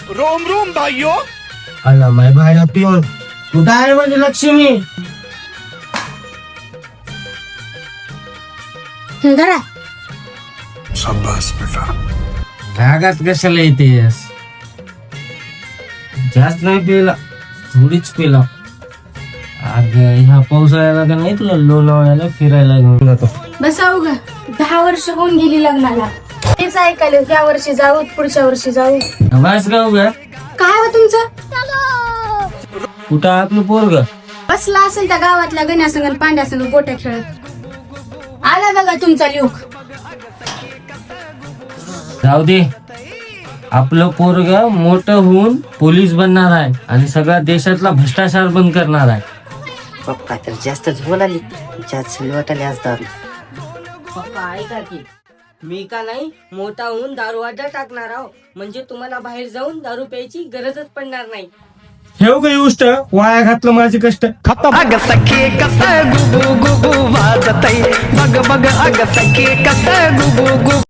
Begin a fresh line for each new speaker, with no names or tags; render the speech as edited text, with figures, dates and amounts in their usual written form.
Rome Rome भाइयों.
आला माय भाड्या पिऊन कुठं आहे म्हणजे लक्ष्मी?
धरा.
शाबाश बेटा.
रागात कशाला येतेस? जास्त नाही पिला, थोडीच पिला. अगं ह्या पावसाळ्याला का नाही तुला लोणावळ्याला फिरायला घेऊन जातो.
बसा उगा 10 वर्ष होऊन गेली लग्नाला. तेच ऐकायला या वर्षी जाऊ पुढच्या वर्षी जाऊ.
बस का उगा?
काय हो तुमचं?
कुठं आपलं पोरग?
बसला असेल त्या गावातल्या गण्यासंग आणि पांड्यासंग गोट्या खेळत. आला बघा तुमचा लोक.
जाऊ दे, आपलं पोरग मोठं होऊन पोलीस बनणार आहे आणि सगळ्या देशातला भ्रष्टाचार बंद करणार आहे.
पप्पा तर जास्तच बोलाली, जास्त वाटायला आज दारू.
पप्पा ऐका की, मी का नाही मोठा होऊन दारू अड्डा टाकणार आहो, म्हणजे तुम्हाला बाहेर जाऊन दारू प्यायची गरजच पडणार नाही.
ठेव काही गोष्ट वाया घातलं माझे कष्ट.
अग सखे कस गुबू गुबू वाजतय, बग बग अग सखे कस गुबू गुबू